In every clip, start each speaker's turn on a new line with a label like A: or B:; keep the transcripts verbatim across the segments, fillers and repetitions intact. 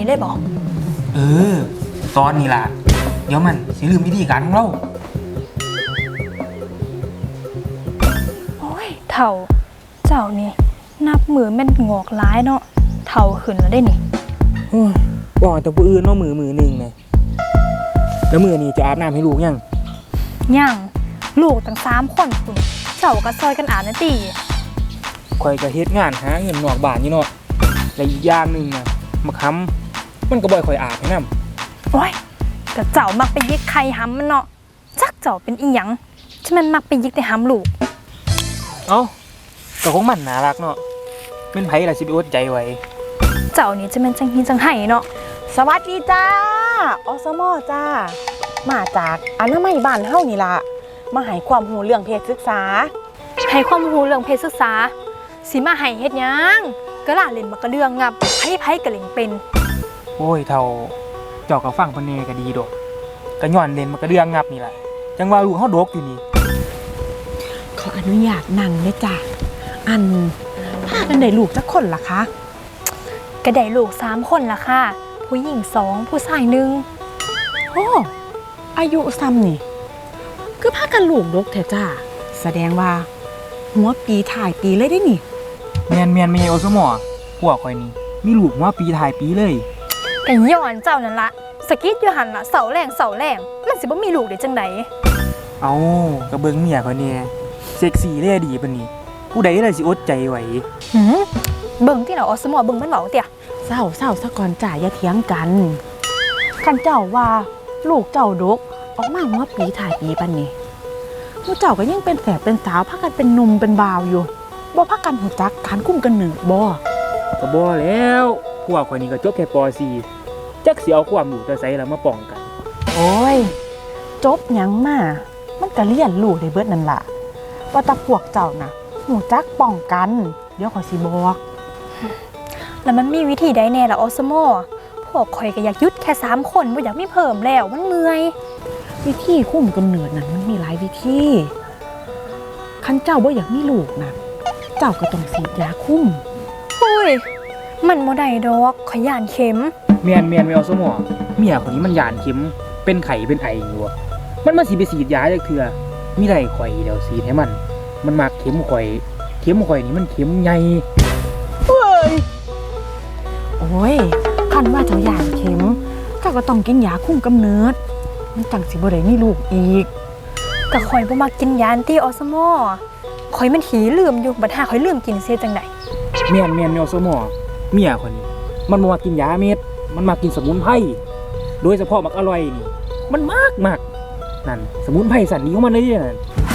A: ได้บอก
B: เออตอนนี้ล่ะเดี๋ยวมันสิลืมวิธีการของเรา
A: โอ้ยเถ่าเจ้านี่นับมือแม่นงอกร้ายเนาะเถ่าขึ้นแล้วได้นี่
B: บอกแต่ผู้อื่นเนาะมือมือหนึ่งไงแล้วมือนี่จะอาบน้ำให้ลูกยัง
A: ยังลูกตั้งสามคนคุณเจ้าก็ซอยกันอาบนะตี
B: คอยจะเฮ็ดงานหาเงินนอกบ้านนี่เนาะและอีกอย่างหนึ่งนะมาค้ำมันก็บ่อยคอยอาบให้นำ
A: โอ้ยก็เจ้ามักไปยิกใครห้ำมันเนาะจักเจ้าเป็นอีหยังที่มันมักไปยิกแต่ห้ำลูก
B: เอ้าก็คงมันน่ารักเนาะเป็นไผล่ะสิไปอดใจไว้
A: เจ้านี่จะเป็นจังฮีจังไห้เนาะ
C: สวัสดีจ้าอสมอจ้ามาจากอนามัยบ้านเฮานี่ล่ะมาให้ความรู้เรื่องเพศศึกษา
A: ให้ความรู้เรื่องเพศศึกษาสิมาให้เฮ็ดหยังก็ล่าเล่นมากระเรื่องงับไผไผกระเล่งเป็น
B: โอ้ยเท่าเจ้าก็ฟังเพิ่นแน่ก็ดีดอกก็ย้อนเล่นมากระเรื่องงับนี่แหละจังว่าลูกเฮาดกอยู่นี่
C: ขออนุญาตนั่งเลยจ้าอันพากันได้ลูกจักคนล่ะคะ
A: ก็ได้ลูกสามคนล่ะค่ะผู้หญิงสองผู้ชายหนึ่ง
C: โอ้อายุซ้ำนี่คือพากันลูกดกแท้จ้าแสดงว่าหัวปีถ่ายปีเลยได้นี่
B: แม่นแม่นไม่ใช่อสมอพวกข่อยนี่มีลูกหัวปีถ่ายปีเลย
A: ก็ย้อนเจ้านั่นละสกิดอยู่หั่นล่ะเสาแรงเสาแรงมันสิบ่มีลูกได้จังได๋
B: เอ้าก็เบิ่งเมียข่อยแน่เซ็กซี่เลยดีปานนี้ผู้ใดล่ะสิอดใจไหว
A: หือเบิ่งที่เนาะอสมอเบิ่งมันเว้าเตี่ย
C: เศร้าเศร้าซะก่อนจ้าอย่าเถียงกันคันเจ้าว่าลูกเจ้าดกออกมาหัวปีถ่ายปีปานนี้ผู้เจ้าก็ยังเป็นแฝดเป็นสาวพากันเป็นหนุ่มเป็นบ่าวอยู่บ่พากันหูจักการคุ้มกันหนึ่งบ่
B: ก็บ่แล้วพวกข่อยนี่ก็จบแค่ป.สี่ จักสิเอาความรู้แต่ไสล่ะมาป้องกัน
C: โอ้ยจบหยังมามันก็เรียนรู้ได้เบิดนั่นล่ะว่าแต่พวกเจ้าน่ะหูจักป้องกันเดี๋ยวข่อยสิบอก
A: แล้วมันมีวิธีใดแน่ล่ะอสมอพวกข่อยก็อยากหยุดแค่สามคนบ่อยากมีเพิ่มแล้วมันเมื่อย
C: วิธีคุ้มกำเนิดนั้นมันมีหลายวิธีคันเจ้าบ่อยากมีลูกนะเจ้าก็ต้องฉีดยาคุ้ม
A: เฮ้ยมันบ่ได้ดอกข่อยย่านเข็ม
B: แม่นแม่นไม่เอาสมอเมียคนนี้มันย่านเข็มเป็นไข้เป็นไออยู่มันมาสิไปฉีดยาจักเทื่อมีได้ข่อยเดี๋ยวฉีดให้มันมันมักเข็มข่อยเข็มข่อยนี่มันเข็มใหญ่
C: เฮ้ยโอ้ยคันว่าเจ้าย่านเข็มเจ้าก็ต้องกินยาคุ้มกำเนิดมันจังสิบ่ได้มีลูกอีก
A: ก็ข่อยบ่มักกินยาติอสมอข่อยมันหีลืมอยู่บัดหาข่อยลืมกินเสียจังได๋
B: แม่นแม่นอสมอเมียคนนี้มันบ่มักกินยาเม็ดมันมักกินสมุนไพรโดยเฉพาะมักอร่อยนี่มันมากมากนั่นสมุนไพรสันนี้ของมันเลยนั่น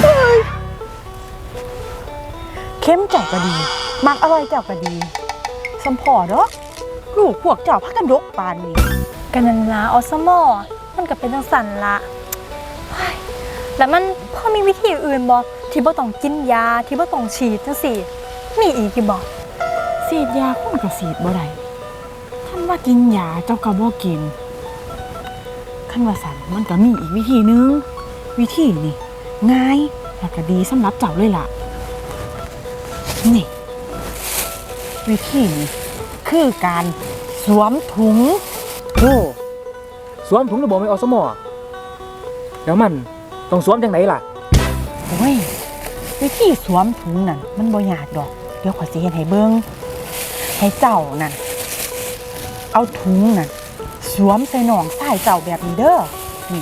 C: เข้มเจ้าก็ดีมักอร่อยเจ้าก็ดีสมพอเด้อลูกพวกเจ้าพากันดกปานนี้
A: ก็นั่นล่ะอสมอมันก็เป็นจังสั่นละแล้วมันพอมีวิธีอื่นบ่ที่บ่ต้องกินยาที่บ่ต้องฉีดจังซี่มีอีกอยู่บ่
C: ฉีดยาคนก็ฉีดบ่ได้คันว่ากินยาเจ้าก็บ่กินคันว่าสั่นมันก็มีอีกวิธีนึงวิธีนี่ง่ายและก็ดีสำหรับเจ้าเลยล่ะนี่วิธีนี้คือการสวมถุง
B: โอ้สวมถุงระบบไม่อสมอแล้วมันต้องสวมจังไหนล่ะ
C: โอ้ยวิธีสวมถุงนั่นมันบ่ยากดอกเดี๋ยวขอยสิเฮ็ดให้เบิ่งให้เจ้านั่นเอาถุงนั่นสวมใส่หนองใส่เจ้าแบบนี้เด้อนี่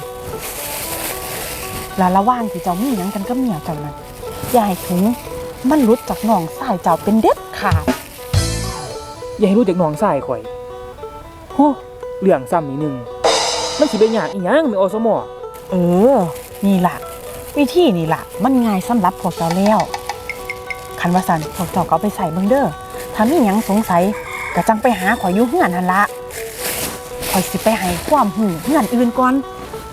C: แล้วระหว่างที่เจ้ามีหยังกันกับเมียเจ้านั่นอย่าให้ถุงมันหลุดจากหนองใส่เจ้าเป็นเด็ดขาด
B: อย่าให้รู้จากหนองใส่ข่อยโหเรื่องซ้ำนิดนึงมันสิเป็นยากอีหยังไม่อสมอ
C: เออนี่ล่ะวิธีนี่ล่ะมันง่ายสำหรับพวกเจ้าแล้วคันว่าซั่นพวกเจ้าก็เอาไปใส่เบิ่งเด้อถ้ามีหยังสงสัยก็จังไปหาข่อยอยู่เฮือนหั่นล่ะข่อยสิไปให้ความรู้เฮือนอื่นก่อน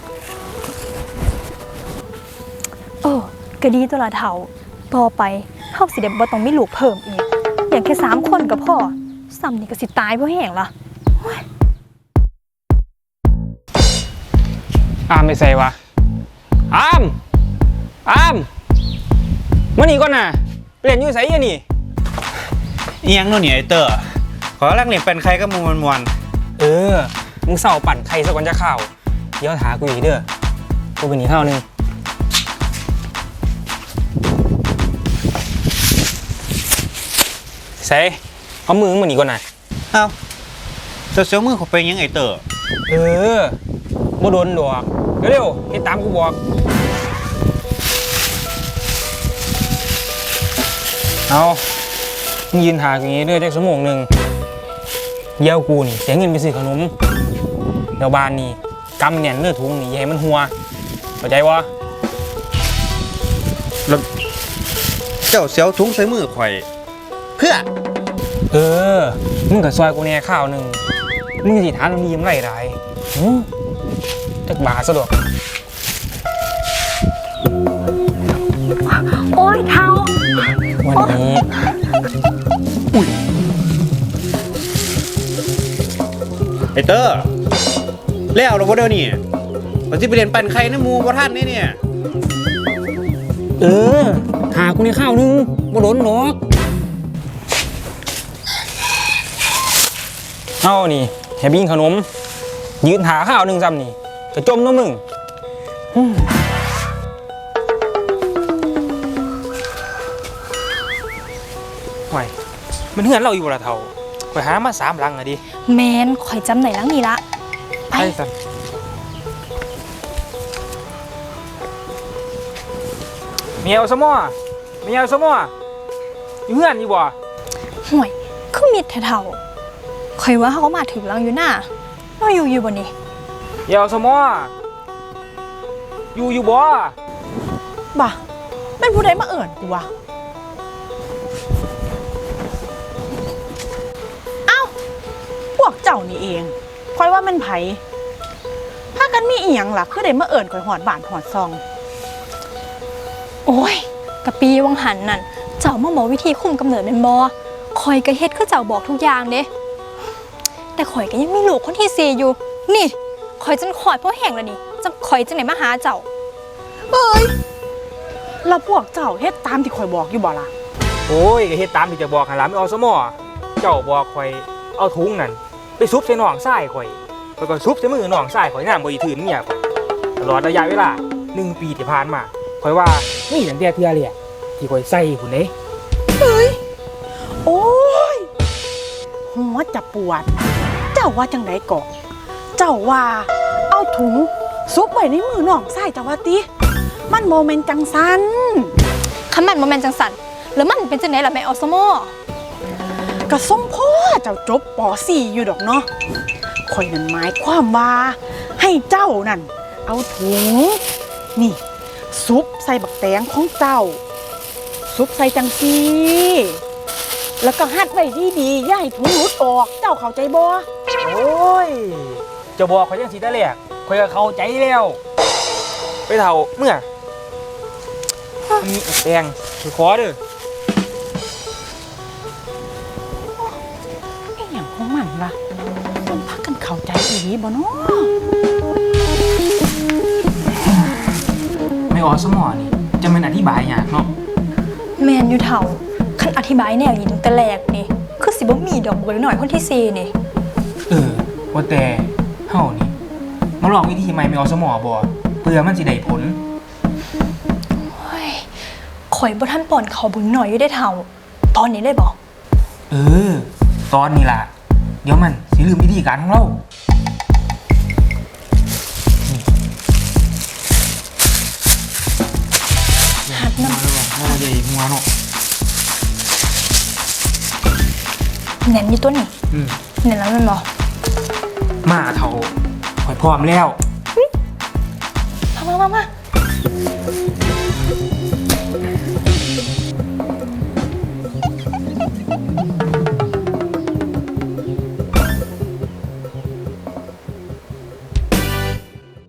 A: เออก็ดีตัวละเฒ่าต่อไปเฮาสิได้บ่ต้องมีลูกเพิ่มอีกอย่างแค่สามคนก็พอซ้ำนี่ก็สิตายบ่แห้งล่ะ
B: อามไม่ใส่วะอามอามมานี่ก่อนน่ะเปลี่ยนอยู่ไสอ่ะนี่
D: อีหยังโน่นนี่ไอ้เตอร์ขอรักเล่นเป็นใครก็มวนมวนเออมึงเศร้าปั่นไข่สักวันจะข้าวเดี๋ยวหากูอีกเด้อกูเป็นหนีข้าวนึงใส่เอามือมึงหนีก่อนนะ
E: เอ้าเสียวๆมือเขาไปยังไงเตอร์
D: เออบ่โดนดอกเร็วๆเฮ็ดตามกูบอกเอามึงยืนหากูอย่างงี้เด้อจักชั่วโมงหนึงเดี๋ยวกูนี่เสียเงินไปซื้อขนมเดี๋ยวบ้านนี่กำเนี่ยเนื้อถุงนี่อย่าให้มันหัวเข้าใจวะ
E: แล้วเจ้าเสียวถุงใส่มือข่อย เพื่อ
D: เออ มึงกับซอยกูแน่ข้าวหนึ่งมึงสิถามมันมียังไรไรหืมจักบาทซะดอก
A: โอ้ยเท้า
D: วันนี้
E: ไอเตอร์แล้วเราบ่เด้อนี่เราสิไปเรียนปั่นไข่น้ำหมูบ่ทันนี่เนี่ย
D: เออหากูในข้าวหนึงบ่โดนดอกเอานี่แฮบิ้งขนม ยืนหาข้าวหนึ่งซ้ำนี่กระจมเน้อมึงอืมห่วยมันเหือนเราอยู่บ่ละเท่าไปหามาสามหลังอะดิ
A: แมนข่อยจำไหนลังนี่ละไป
D: ไปสันเมียวสมอเมียวสมออยู่เหือนอยู่บ่
A: ห่วยคือมิดเท่าๆข่อยว่าเขาก็มาถึงลังอยู่น่ะเราอยู่อยู่บ่นี่
D: เมียวสมออยู่อยู่บ่
C: บ่ะแม่นผู้ใดมาเอิ่นกูวะเอ้าพวกเจ้านี่เองค่อยว่ามันไผพากันมีอีหยังล่ะคือได้มาเอิ่นข่อยหอดบ้านหอดซอง
A: โอ้ยกะปีวังหันนั่นเจ้ามาบอกวิธีคุมกำเนิดเป็นบ่ข่อยก็เฮ็ดคือเจ้าบอกทุกอย่างเด้แต่ข่อยก็ยังมีลูกคนที่สี่อยู่นี่ข่อยจนขอดเพราะแห้งแล้วนี่จะข่อยจังไหนมาหาเจ้า
C: เอ้ยแล้วพวกเจ้าเฮ็ดตามที่ข่อยบอกอยู่บ่ล่ะ
D: โอ้ยก็เฮ็ดตามที่จะบอกหันหลังไม่เอาสมอเจ้าบอกข่อยเอาถุงนั่นไปซุบใส่หนองทรายข่อยแล้วก็ซุบใส่มือหนองทรายข่อยน้ำบ่อีถืนเนี่ยข่อยตลอดระยะเวลาหนึ่งปีที่ผ่านมาข่อยว่ามีตั้งแต่เทื่อเลยอะที่ข่อยใส่หุ่นเด้
C: โอ้ยหัวจะปวด เจ้าว่าจังไดก่อเจ้าว่า เอาถุงซุปไว้ในมือน้องใส่จ้าว่าติมันโมเมนต์จังสัน
A: คันมันบ่แม่นจังสันแล้วมันเป็นจังไหนล่ะแม่อสมอก
C: ระส่งพ่อเจ้าจบป .สี่ อยู่ดอกเนาะข่อยนั่นหมายความว่า ให้เจ้านั่น เอาถุง นี่ ซุปใส่บักแตงของเจ้า ซุปใส่จังซีแล้วก็หัดไว้ดีๆอย่าให้ถุงหลุดออก เจ้าเข้าใจบ่
D: โอ้ยเจะบอกข่อยจังสิแต่แรกข่อยก็เข้าใจแล้วไปเฒ่าเมื่อมีแตงข่อยขอเด้อ
C: ไอ้หยังของมันล่ะมันพักกันเข้าใจอีหลีบ่เนาะ
D: ไม่ออสมอนี่จะเป็นอธิบายยากเนาะ
A: แม่นอยู่เท่าคันอธิบายแนวนี้ตั้งแต่แรกนี่คือสิบ่มีดอกบัวหน่อยคนที่สี่นี่
D: เออว่าแต่เฮานี่มาลองวิธีใหม่ไม่ออสมอบ่เพื่อมันสิได้ผล
A: เฮ้ยข่อยบ่ทันป่อนเขาเบิ่งหน่อยอยู่ได้เท่า ตอนนี้เลยบ่
D: เออ ตอนนี้ล่ะ เดี๋ยวมันสิลืมวิธีการของเรา
A: หัดนำ
D: เราใหญ่หัวเนาะ
A: แหน่นอยู่ตัวนี่
D: อืม
A: แหน่นแล้วแม่นบ่
D: มาเท่าข่อยพร้อมแล้ว
A: มามามามา